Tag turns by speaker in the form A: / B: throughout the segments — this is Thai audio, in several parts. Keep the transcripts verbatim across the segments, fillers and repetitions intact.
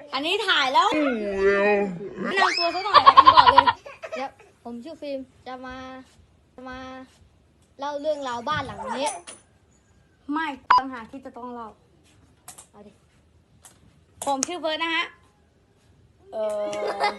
A: อันนี้ถ่ายแล้วแนะนำตัวสักหน่อยกันก่อนเลยเดี๋ยวผมชื่อฟิล์มจะมาจะมาเล่าเรื่องราวบ้านหลังนี้ไม่ต่างหากที่จะต้องเล่าเอาดิผมชื่อเบิร์ดนะฮะเออ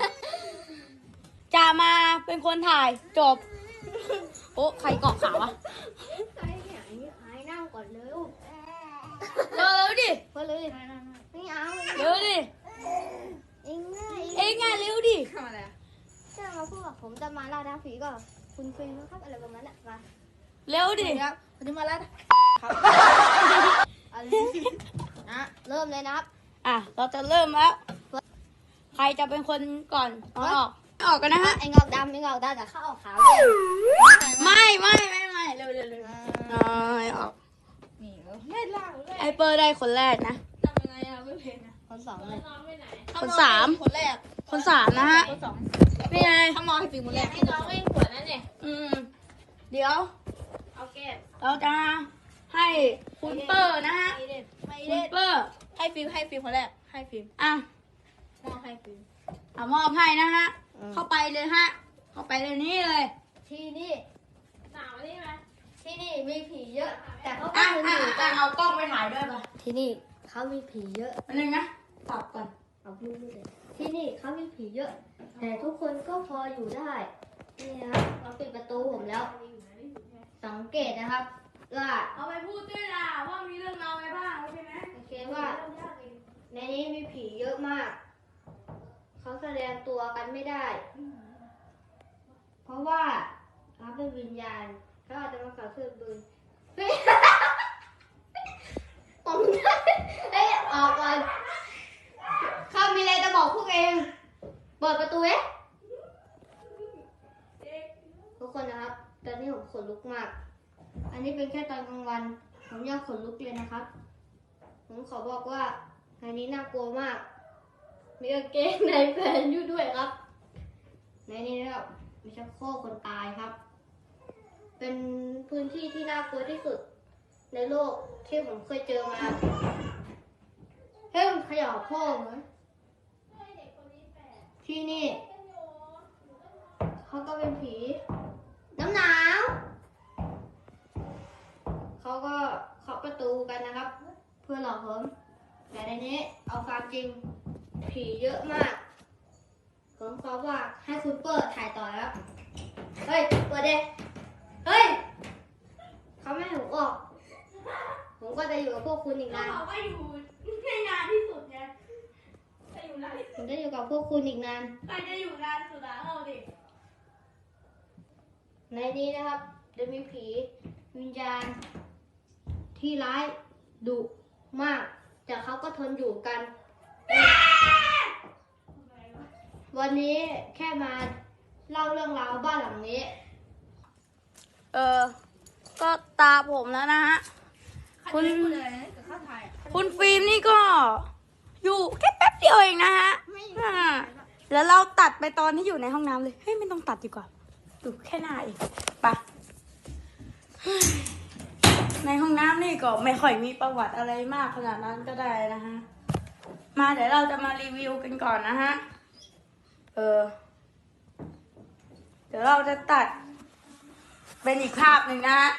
A: จะมาเป็นคนถ่ายจบโอ้ใครเกาะขาวะ
B: ใครเนี่ยอันนี้ใครนั่งก่อนเร็ว
A: เร็วดิ
B: เร็วเลยไม่เอา
A: เร็วดิ
B: เองง่าย
A: เองง่ายเร็วดิ
B: ทำอะไรจะมาพูดว่าผมจะมาล่าท้าผีก็คุณฟิล์มนะครับอะไรประมาณนั้นมา
A: เร็วดิ
B: ครับวันนี้มาล่าครับอะไรนะเริ่มเลยนะครับ
A: อ่ะเราจะเริ่มแล้วใครจะเป็นคนก่อนเอาออกออกกันนะฮะ
B: ไอ้เงาดำไอ้เงาดำแต่ข้าออกขาว
A: ไม่ไม่ไม่ไม่เร็วเร็วเร็วน้อยออก
B: นี่ไม่ล่าเลย
A: ไอเปอร์ได้คนแรกนะ
B: ทำยังไงอะไม่เป็นนะคนสองเลย
A: คนสาม
B: คนแรก
A: คนสามนะฮะ
B: คนสอง
A: นี่ไง
B: ถ้ามองให้ฟิล์มคนแรกให้น้องให้หัวนั่นเนี่ย
A: อืมเดี๋ยว
B: เอาแก้ม
A: เราจะให้คุณเปอร์นะฮะคุณเปอร์
B: ให้ฟิล์มให้ฟิล์มคนแรกให้ฟิล์ม
A: อ่ะ
B: มอบให้ฟิล์ม
A: อ่ะมอบให้นะฮะเข้าไปเลยฮะเข้าไปเลยนี่เลย
B: ที่นี่หนาวนี่ไหมที่นี่มีผีเยอะแต่เขา
A: อ่ะอ่ะอ่ะเอากล้องไปถ่ายด้วยป่ะ
B: ที่นี่เขามีผีเยอะ
A: อันนึงนะตอบก่อน
B: เอาพูดเลยที่นี่เขามีผีเยอะแต่ทุกคนก็พออยู่ได้นี่ครับเราปิดประตูผมแล้วสังเกตนะครับว่า
A: เอาไปพูดด้วยล่ะว่ามีเรื่องราวอะไรบ้างโอเคไหม
B: โอเคว่าในนี้มีผีเยอะมากเขาแสดงตัวกันไม่ได้เพราะว่าเขาเป็นวิญญาณเขาอาจจะมาขับเคลื่อนบืนเฮ้ยผมเฮ้ยออกก่อนเขามีอะไรจะบอกพวกเองเปิดประตูเอ๊ะทุกคนนะครับตอนนี้ผมขนลุกมากอันนี้เป็นแค่ตอนกลางวันผมยังขนลุกเลยนะครับผมขอบอกว่าอันนี้น่ากลัวมากมีกางเกงในแฟนอยู่ด้วยครับในนี้นะครับมีชักโครกคนตายครับ เป็นพื้นที่ที่น่ากลัวที่สุดในโลกที่ผมเคยเจอมาเฮ้ยขยับพ่อเหมือนที่นี่เขาก็เป็นผีน้ำหนาวเขาก็เคาะประตูกันนะครับเพื่อหลอกผมแต่ในนี้เอาความจริงผีเยอะมากผมขอว่าให้คุณเปิดถ่ายต่อแล้วเฮ้ยเปิดเด็เฮ้ยเขาไม่ให้ผมออกผมก็จะอยู่กับพวกคุณอีกนาน
A: เขาก็อยู่ในนานที่สุดไงจะอยู่นานที่สุด
B: ผมจะอยู่กับพวกคุณอีกนาน
A: ใครจะอยู่นานสุดอะเราดิ
B: ในนี้นะครับจะมีผีวิญญาณที่ร้ายดุมากแต่เขาก็ทนอยู่กันวันนี้แค่มาเล่าเรื่องราวบ้านหลังนี้
A: เออก็ตาผมแล้วนะฮะคุณคุณฟิล์มนี่ก็อยู่แค่แป๊บเดียวเองนะฮะแล้วเราตัดไปตอนที่อยู่ในห้องน้ำเลยเฮ้ยไม่ต้องตัดดีกว่าดูแค่หน้าเองไปในห้องน้ำนี่ก็ไม่ค่อยมีประวัติอะไรมากขนาดนั้นก็ได้นะฮะมาเดี๋ยวเราจะมารีวิวกันก่อนนะฮะเออเดี๋ยวเราจะตัดเป็นอีกภาพหนึ่งนะฮะ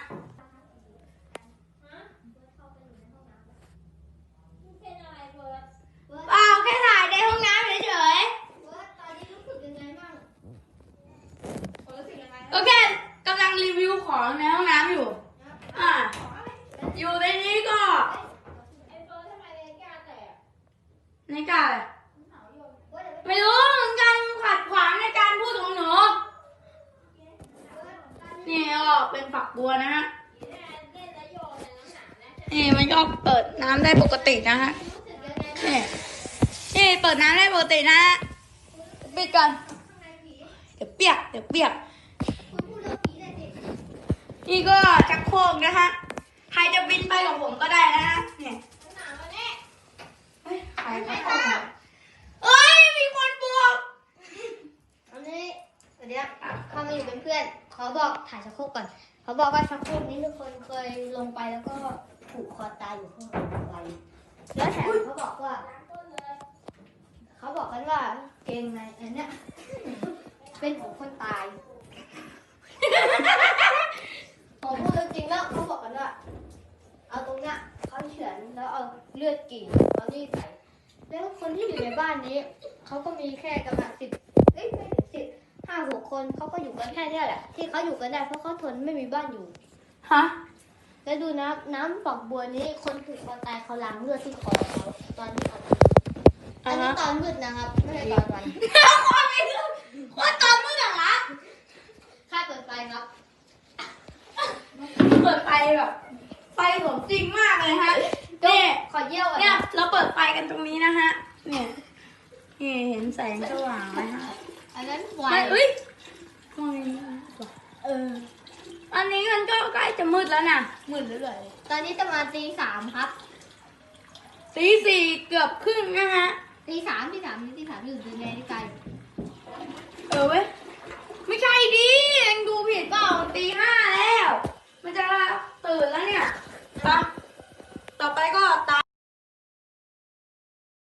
A: เปล่าแค่ถ่ายในห้องน้ำเฉยๆก็แค่กำลังรีวิวของในห้องน้ำอยู่อ่าอยู่ในนี้ก็ในการไม่รู้เหมือนกันขัดขวางในการพูดของหนูนี่ก็เป็นฝักบัวนะฮะนี่มันก็เปิดน้ำได้ปกตินะฮะนี่นี่เปิดน้ำได้ปกตินะฮะปิดก่อนเดี๋ยวเปียกเดี๋ยวเปียกนี่ก็ชักโครกนะฮะใครจะบินไปกับผมก็ได้นะฮะเนี่ยเฮ้ยใครไม่เข้ามาเอ้ยมีคนบวก
B: อันนี้เดี๋ยวเข้ามาอยู่เป็นเพื่อนเขาบอกถ่ายชักโครกก่อนเขาบอกว่าชักโครกนี้ทุกคนเคยลงไปแล้วก็ผูกคอตายอยู่ข้างบนไว้แล้วแถมเขาบอกว่ากันว่าเกงในอันเนี้ยเป็นของคนตาย ผมพูดเรื่องจริงแล้วเขาบอกกันว่าเอาตรงเนี้ยเขาเฉือนแล้วเอาเลือดกรี่เอานี่ใส่แล้วคนที่อยู่ในบ้านนี้เขาก็มีแค่กำลังสิบเอ้ยไม่ถึงสิบห้าหกคนเขาก็อยู่กันแค่เนี้ยแหละที่เขาอยู่กันได้เพราะเขาทนไม่มีบ้านอยู่
A: ฮะ
B: แล้วดูน้ำน้ำฝักบัวนี้คนถูกคนตายเขาล้างเลือดที่คอเขาตอนที่เขาตายอันนี้ตอนมืดนะครับไม่ใช่ตอนวันว่าตอนมืดเหรอคะค่าเปิดไฟครับ
A: เปิดไฟแบบไฟสมจริงมากเลยฮะเนี่ย
B: ขอเยี่ยวอ่ะ
A: เนี่ยเราเปิดไฟกันตรงนี้นะฮะเนี่ยนี่เห็นแสงสว่างไหมฮะ
B: อันนั้นไฟ
A: ไม่เอ้ยมองอย่างนี้เอออันนี้มันก็ใกล้จะมืดแล้วนะมืดเรื่อย
B: ตอนนี้จะมาตีสามครับ
A: ๆตีสี่เกือบครึ่งนะฮะ
B: ตีสามตีสามนี่ตีสามอยู่ดูในนาฬิกาอยู่
A: เออเว้ยไม่ใช่ดิเอ็งดูผิดเปล่าตีห้าแล้ว มันจะตื่นแล้วเนี่ยไปต่อไปก็ตา